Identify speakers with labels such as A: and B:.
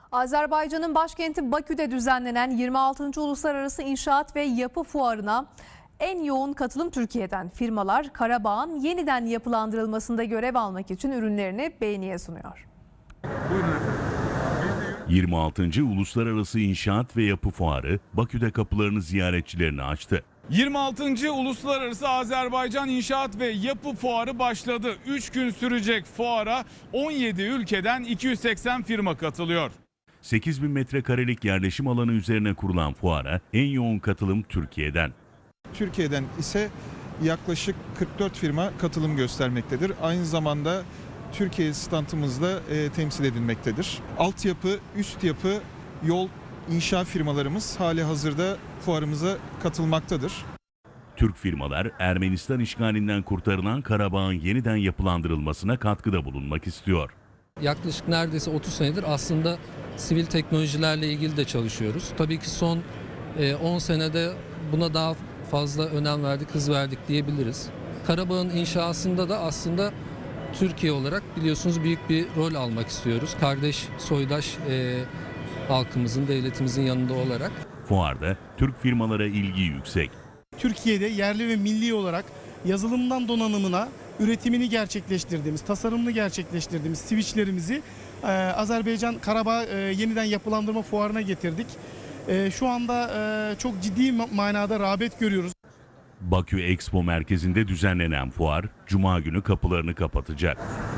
A: Azerbaycan'ın başkenti Bakü'de düzenlenen 26. Uluslararası İnşaat ve Yapı Fuarı'na en yoğun katılım Türkiye'den. Firmalar Karabağ'ın yeniden yapılandırılmasında görev almak için ürünlerini beğeniye sunuyor.
B: 26. Uluslararası İnşaat ve Yapı Fuarı Bakü'de kapılarını ziyaretçilerine açtı.
C: 26. Uluslararası Azerbaycan İnşaat ve Yapı Fuarı başladı. 3 gün sürecek fuara 17 ülkeden 280 firma katılıyor.
B: 8.000 metrekarelik yerleşim alanı üzerine kurulan fuara en yoğun katılım Türkiye'den.
D: Türkiye'den ise yaklaşık 44 firma katılım göstermektedir. Aynı zamanda Türkiye standımızda temsil edilmektedir. Altyapı, üst yapı, yol, inşaat firmalarımız hali hazırda fuarımıza katılmaktadır.
B: Türk firmalar Ermenistan işgalinden kurtarılan Karabağ'ın yeniden yapılandırılmasına katkıda bulunmak istiyor.
E: Yaklaşık neredeyse 30 senedir aslında sivil teknolojilerle ilgili de çalışıyoruz. Tabii ki son 10 senede buna daha fazla önem verdik, hız verdik diyebiliriz. Karabağ'ın inşasında da aslında Türkiye olarak biliyorsunuz büyük bir rol almak istiyoruz. Kardeş, soydaş halkımızın, devletimizin yanında olarak.
B: Fuarda Türk firmalara ilgi yüksek.
F: Türkiye'de yerli ve milli olarak yazılımdan donanımına üretimini gerçekleştirdiğimiz, tasarımını gerçekleştirdiğimiz switchlerimizi Azerbaycan Karabağ yeniden yapılandırma fuarına getirdik. Şu anda çok ciddi manada rağbet görüyoruz.
B: Bakü Expo merkezinde düzenlenen fuar Cuma günü kapılarını kapatacak.